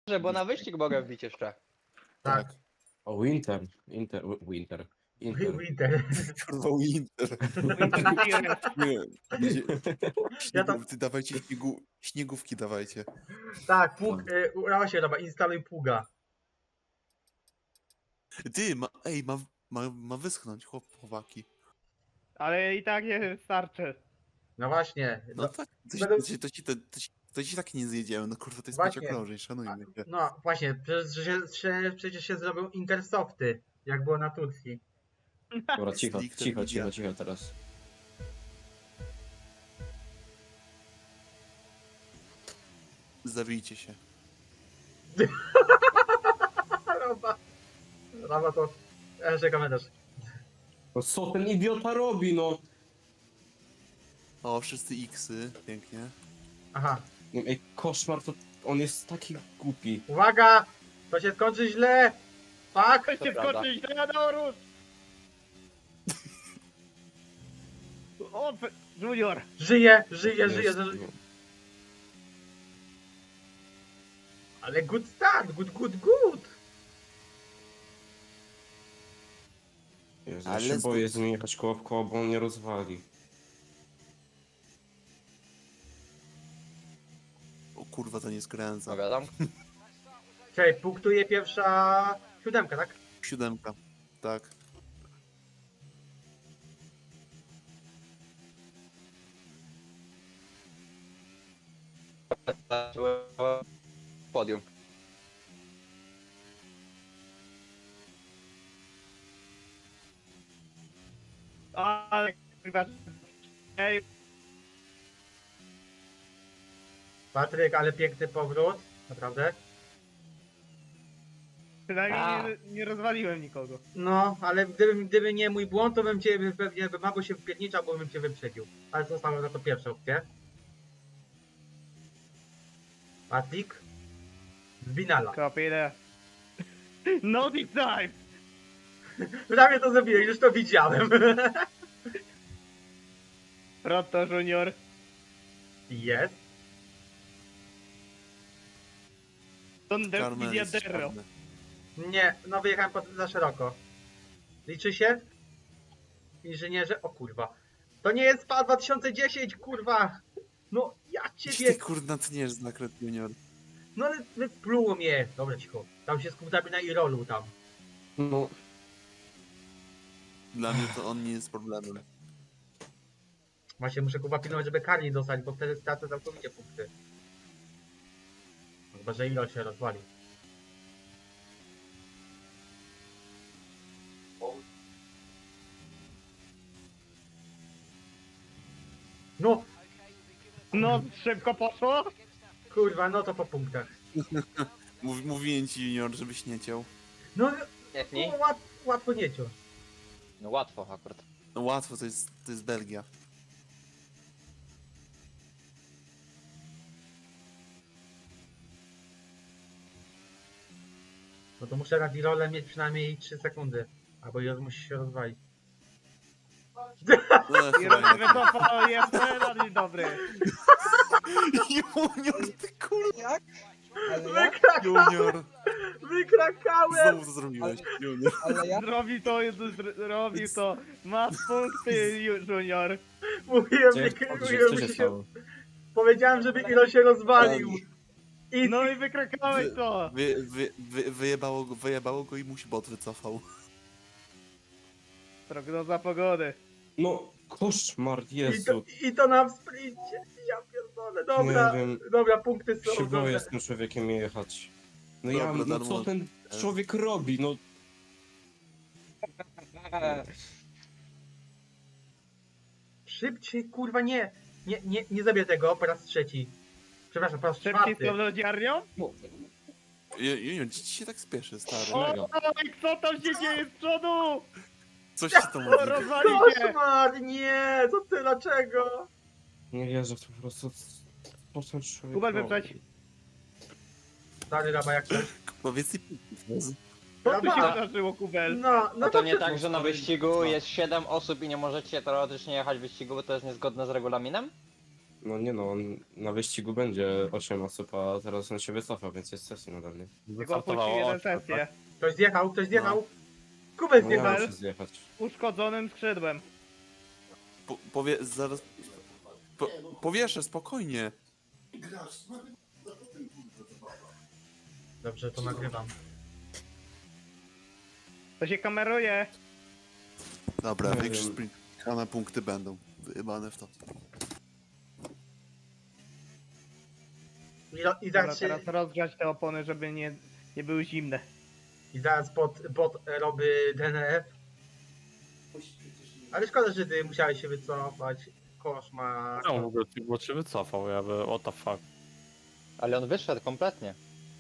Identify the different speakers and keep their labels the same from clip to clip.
Speaker 1: Bo na wyścig mogę wbić jeszcze.
Speaker 2: Tak.
Speaker 3: O, Winter. Inter.
Speaker 2: Winter.
Speaker 4: Kurwa Winter. Nie,
Speaker 2: Ja tam-
Speaker 4: ty dawajcie śniegówki dawajcie.
Speaker 2: Tak, pług, urała się roba, instaluj pługa.
Speaker 4: Ty, ma wyschnąć, chłopaki.
Speaker 5: Ale i tak nie starczy.
Speaker 2: No właśnie.
Speaker 4: No tak, to ci tak nie zjedziemy, no kurwa, to jest
Speaker 2: Właśnie.
Speaker 4: pięciokrążej, szanujmy się.
Speaker 2: No właśnie, przecież się zrobią Intersofty, jak było na Turcji.
Speaker 3: Dobra, cicho,
Speaker 4: Stricte
Speaker 3: cicho,
Speaker 4: media.
Speaker 3: cicho, cicho teraz.
Speaker 4: Zabijcie się.
Speaker 2: Roba to... Jeszcze komentarz.
Speaker 3: No co ten idiota robi, no?
Speaker 4: O, wszyscy X-y, pięknie.
Speaker 2: Aha.
Speaker 3: No, ej, koszmar, to on jest taki głupi.
Speaker 2: Uwaga! To się skończy źle! Fuck!
Speaker 5: Weźcie
Speaker 1: prawda.
Speaker 5: skoczyć na Norus! O, Junior!
Speaker 2: Żyje, żyje.
Speaker 3: Jest-
Speaker 2: Ale good start, good.
Speaker 3: Jezu, ja
Speaker 4: Ale
Speaker 3: się
Speaker 4: z-
Speaker 3: boję z nim jechać koło w koło, bo on mnie rozwali.
Speaker 4: O kurwa, to nie skręca.
Speaker 1: Mogę tam?
Speaker 2: Czekaj, punktuje pierwsza... 7, tak?
Speaker 4: 7, tak.
Speaker 1: Podium.
Speaker 5: Ale kurwa. Ej,
Speaker 2: Patryk, ale piękny powrót. Naprawdę.
Speaker 5: przynajmniej nie rozwaliłem nikogo.
Speaker 2: No, ale gdyby nie mój błąd, to bym cię pewnie albo się wpierniczał, bo bym cię wyprzedził. Ale zostałem za to pierwszą opcję. Patryk. Zbinala.
Speaker 5: Kapile. No this time!
Speaker 2: Prawie to zrobiłeś, już to widziałem.
Speaker 5: Proto Junior.
Speaker 2: Jest.
Speaker 5: Don
Speaker 4: Carmen jest
Speaker 5: Diadero.
Speaker 4: czarny.
Speaker 2: Nie, no wyjechałem za szeroko. Liczy się? Inżynierze? O kurwa. To nie jest SPA 2010, kurwa! No ja ciebie...
Speaker 4: Ty kurna tniesz zakręt junior.
Speaker 2: No ale wypluło mnie. Dobra, cicho. Tam się skupiamy na Irolu tam.
Speaker 3: No,
Speaker 4: Dla mnie to on nie jest problemem.
Speaker 2: Właśnie muszę kurwa pilnować, żeby kar nie dostać, bo wtedy stracę całkowicie punkty. Chyba, że Irol się rozwali. No,
Speaker 5: No, szybko poszło?
Speaker 2: kurwa, no to po punktach.
Speaker 4: Mówiłem ci junior, żebyś nie ciął.
Speaker 2: No,
Speaker 1: Jechni?
Speaker 2: łatwo nie ciąć.
Speaker 1: No łatwo akurat.
Speaker 4: No łatwo, to jest Belgia.
Speaker 2: No to muszę na Irole mieć przynajmniej 3 sekundy. Albo Irol musi się rozwalić.
Speaker 4: No,
Speaker 5: I
Speaker 4: chyba nie.
Speaker 5: wycofał, jest bardzo dobry.
Speaker 4: Junior, ty kurwa.
Speaker 2: Wykrakałem!
Speaker 4: Junior.
Speaker 2: Wykrakałem!
Speaker 4: Znowu to zrobiłeś, junior.
Speaker 5: Zrobił to, zrobił to. Masz punkty, Junior.
Speaker 2: Mówiłem,
Speaker 3: co się stało?
Speaker 2: powiedziałem, żeby Irol się rozwalił. I
Speaker 5: No i wykrakałeś to.
Speaker 4: Wyjebało go i mu się bot wycofał.
Speaker 5: Prognoza pogody.
Speaker 3: No, koszmar, Jezu.
Speaker 2: I to na sprincie. Ja pierdolę. Dobra,
Speaker 3: Nie wiem.
Speaker 2: dobra, punkty są.
Speaker 3: Się boję
Speaker 2: Dobra.
Speaker 3: z tym człowiekiem jechać. No
Speaker 4: Dobra,
Speaker 3: ja, no
Speaker 4: darmo.
Speaker 3: co ten człowiek robi, no.
Speaker 2: Szybciej, kurwa, nie. Nie zrobię tego po raz trzeci. Przepraszam, po raz
Speaker 5: Szybciej z
Speaker 2: czwarty.
Speaker 5: tą lodziarnią?
Speaker 4: Junior, ci się tak spieszy, stary.
Speaker 5: O, co tam się dzieje z przodu?
Speaker 4: Coś ci tam mówi.
Speaker 5: Rozwali się.
Speaker 2: Koszmar, nie, co ty, dlaczego?
Speaker 3: Nie wierzę w to po prostu. Po co człowiek
Speaker 5: Kubel
Speaker 3: robi?
Speaker 5: wyprzedź.
Speaker 2: Stary raba, jak coś.
Speaker 4: Powiedz i punktów.
Speaker 5: Co tu się
Speaker 2: Raba.
Speaker 5: wydarzyło, Kubel?
Speaker 2: No
Speaker 1: No to nie
Speaker 2: ty-
Speaker 1: tak, że na wyścigu jest 7 osób i nie możecie teoretycznie jechać wyścigu, bo to jest niezgodne z regulaminem?
Speaker 3: No nie no, on na wyścigu będzie 8 osób, a teraz on się wycofał, więc jest sesji nadal, nie?
Speaker 5: Tylko opuścił jeden sesję.
Speaker 2: Ktoś zjechał, ktoś zjechał. Kubek
Speaker 3: No ja
Speaker 2: zjechał.
Speaker 3: muszę zjechać.
Speaker 5: Uszkodzonym skrzydłem.
Speaker 4: Zaraz... Powieszę, spokojnie.
Speaker 2: Dobrze, to nagrywam.
Speaker 5: To się kameruje.
Speaker 4: Dobra,
Speaker 3: Nie
Speaker 4: większe
Speaker 3: wiem.
Speaker 4: sprintane punkty będą. Wyjebane w to.
Speaker 2: I
Speaker 5: Dobra,
Speaker 2: zaraz, się,
Speaker 5: teraz rozgrzać te opony, żeby nie były zimne.
Speaker 2: i zaraz bot robi DNF. Ale szkoda, że ty musiałeś się wycofać. Koszmar.
Speaker 6: No w ogóle bo się wycofał, ja by what the fuck.
Speaker 1: Ale on wyszedł kompletnie.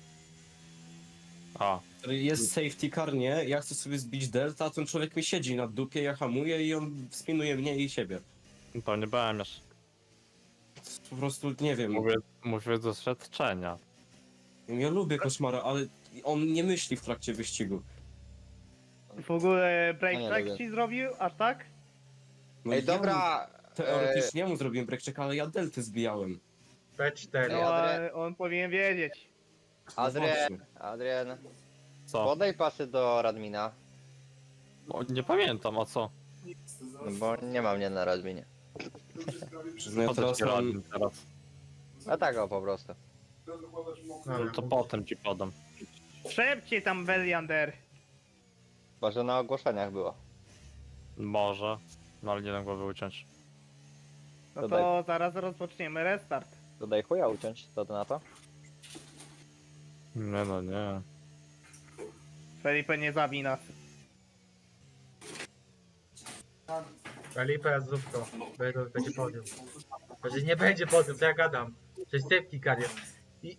Speaker 6: A,
Speaker 3: Jest safety car, nie? Ja chcę sobie zbić delta, a ten człowiek mi siedzi na dupie, ja hamuję i on spinuje mnie i siebie.
Speaker 6: to nie byłem już.
Speaker 3: Po prostu nie wiem.
Speaker 6: Mówię do doświadczenia.
Speaker 3: Ja lubię koszmara, ale on nie myśli w trakcie wyścigu.
Speaker 5: W ogóle
Speaker 1: No
Speaker 5: break
Speaker 1: nie
Speaker 5: track
Speaker 1: lubię.
Speaker 5: ci zrobił? Aż tak?
Speaker 3: No
Speaker 1: Ej,
Speaker 3: ja
Speaker 1: dobra.
Speaker 3: Teoretycznie mu zrobiłem break check, ale ja delty zbijałem.
Speaker 2: P4.
Speaker 5: No, ale on powinien wiedzieć.
Speaker 3: No
Speaker 1: Adrian,
Speaker 3: właśnie.
Speaker 1: Adrian,
Speaker 6: Co?
Speaker 1: podaj pasy do Radmina.
Speaker 6: O, nie pamiętam, a co?
Speaker 1: No bo nie ma mnie na Radminie.
Speaker 3: Przyznaję,
Speaker 6: Po co
Speaker 3: teraz
Speaker 6: ci
Speaker 3: mam...
Speaker 6: radny teraz?
Speaker 1: A tak o po prostu.
Speaker 6: No to potem ci podam.
Speaker 5: Szepcie tam Beliander.
Speaker 1: Chyba, że na ogłoszeniach było.
Speaker 6: Może. No ale nie dam głowy uciąć.
Speaker 5: No
Speaker 1: Dodaj.
Speaker 5: to zaraz rozpoczniemy restart.
Speaker 1: Dodaj chuja uciąć, co to na to?
Speaker 6: Nie no, nie.
Speaker 5: Felipe nie zabij nas.
Speaker 2: Felipe Zupko. Będzie podium. Że nie będzie podium, to ja gadam. Że safety car jest. I...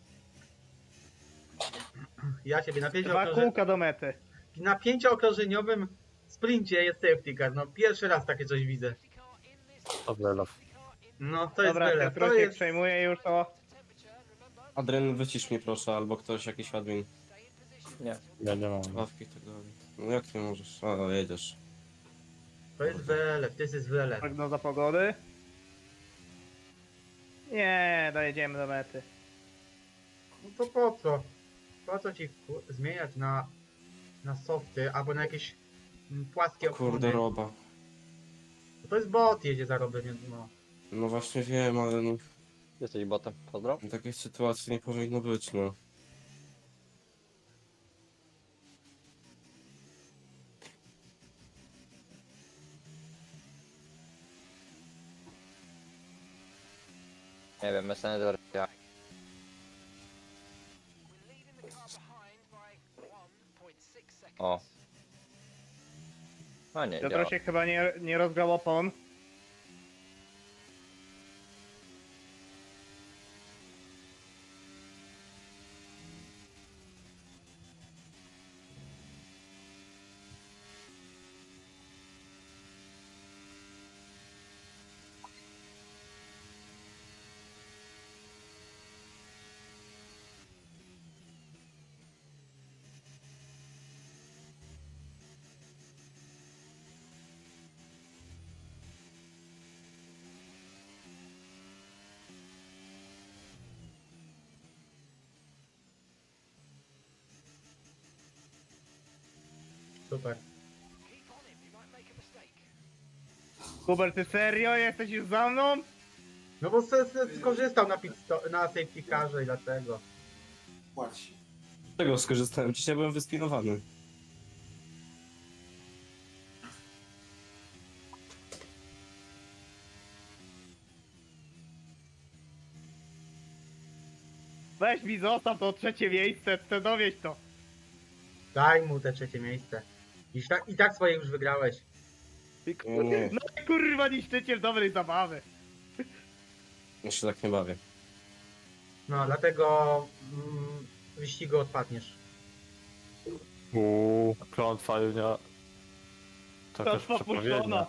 Speaker 2: Ja siebie
Speaker 5: Dwa kółka do mety.
Speaker 2: na 5-okrążeniowym sprincie jest safety car. No pierwszy raz takie coś widzę.
Speaker 6: To wylew.
Speaker 2: No to jest
Speaker 5: Dobra,
Speaker 2: byle.
Speaker 5: Piotr
Speaker 2: To
Speaker 5: się
Speaker 2: jest...
Speaker 5: przejmuje już to.
Speaker 3: Adren, wycisz mnie proszę, albo ktoś, jakiś admin.
Speaker 1: Nie.
Speaker 6: Ja nie mam.
Speaker 3: Ławki i tak dalej. No jak ty możesz? A, jedziesz.
Speaker 2: To jest byle, to jest byle.
Speaker 5: Prognoza pogody. Nie, dojedziemy do mety.
Speaker 2: No to po co? Po co ci zmieniać na softy albo na jakieś płaskie opony?
Speaker 3: Kurde, roba.
Speaker 2: To jest bot, jedzie za robem, więc no.
Speaker 3: No właśnie wiem, ale no,
Speaker 1: Jesteś botem, pozdro.
Speaker 3: takiej sytuacji nie powinno być, no.
Speaker 1: Nie wiem, Messenger. Ja. O. A nie, działa.
Speaker 5: Piotr się chyba nie rozgrał opon.
Speaker 2: Super.
Speaker 5: Hubert, ty serio? Jesteś już za mną?
Speaker 2: No bo skorzystał na safety carze i dlatego.
Speaker 3: Z tego skorzystałem, dzisiaj byłem wyspinowany.
Speaker 5: Weź mi zostaw to trzecie miejsce, chcę dowieść to.
Speaker 2: Daj mu te trzecie miejsce. I tak swoje już wygrałeś.
Speaker 3: Nie,
Speaker 5: No kurwa, niszczyciel dobrej zabawy.
Speaker 3: ja się tak nie bawię.
Speaker 2: No, dlatego wyścigu odpadniesz.
Speaker 6: Klątwa Junia. To jakaś
Speaker 5: Klątwa
Speaker 6: przepowiednia.
Speaker 5: puszczona.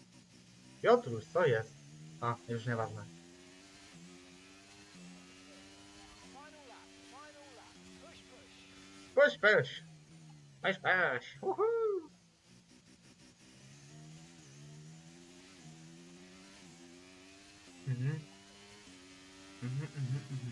Speaker 2: Piotruś, co jest? A, już nieważne. Weź, weź. Weź, weź. Uhu. Mhm. Mhm, mhm, mhm.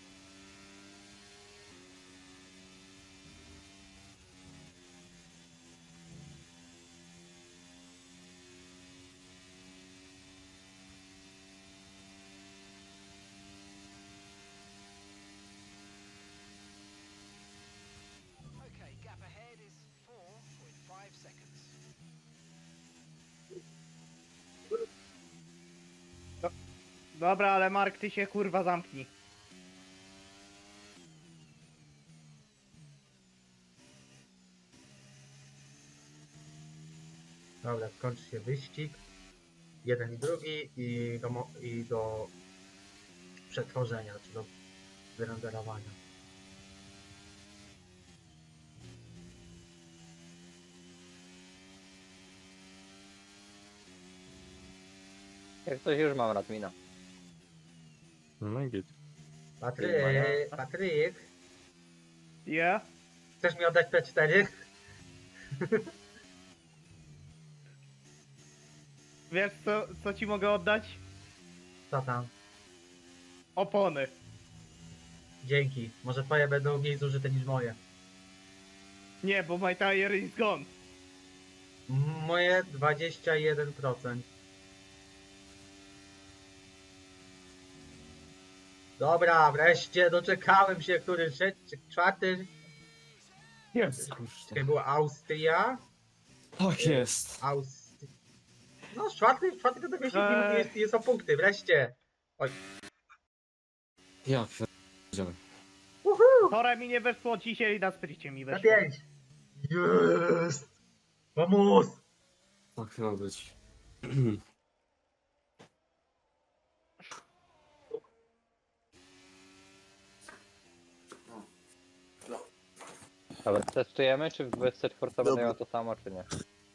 Speaker 1: Okay, gap ahead is 4.5 seconds.
Speaker 5: Dobra, ale Mark, ty się kurwa zamknij.
Speaker 2: Dobra, skończy się wyścig. Jeden i drugi i do przetworzenia, czy do wyrenderowania.
Speaker 1: Jak coś już mam Radmina.
Speaker 6: No i git.
Speaker 2: Patryk,
Speaker 5: Ja?
Speaker 2: chcesz mi oddać P4?
Speaker 5: Wiesz co ci mogę oddać?
Speaker 2: Co tam?
Speaker 5: Opony.
Speaker 2: Dzięki. Może twoje będą mniej zużyte niż moje.
Speaker 5: Nie, bo my tire is gone.
Speaker 2: Moje 21%. Dobra, wreszcie doczekałem się, który trzeci, czwarty.
Speaker 3: Jest, kurczę.
Speaker 2: Czekaj, była Austria.
Speaker 3: Tak jest.
Speaker 2: No, czwarty to tego jest o punkty, wreszcie.
Speaker 3: Ja pierdzielę.
Speaker 2: Uhu!
Speaker 5: Mi nie weszło, dzisiaj na sprycie mi
Speaker 2: Na
Speaker 5: weszło.
Speaker 2: 5. Jest! Vamos!
Speaker 3: Tak ma być.
Speaker 1: Dobra, testujemy, czy w 24 będę
Speaker 4: Dobra.
Speaker 1: miał to samo, czy nie?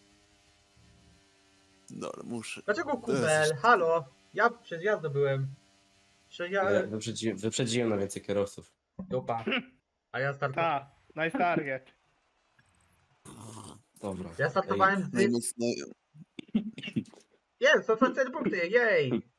Speaker 4: Dobra, muszę.
Speaker 2: Dlaczego kubel? Halo? Ja przez jazdę byłem.
Speaker 3: Wyprzedziłem na więcej kierowców.
Speaker 2: Dupa. A ja startowałem.
Speaker 5: Ta, nice target.
Speaker 3: Dobra.
Speaker 2: Ja startowałem z...
Speaker 4: Najmocniej.
Speaker 2: Jest, to są 4 punkty, jej!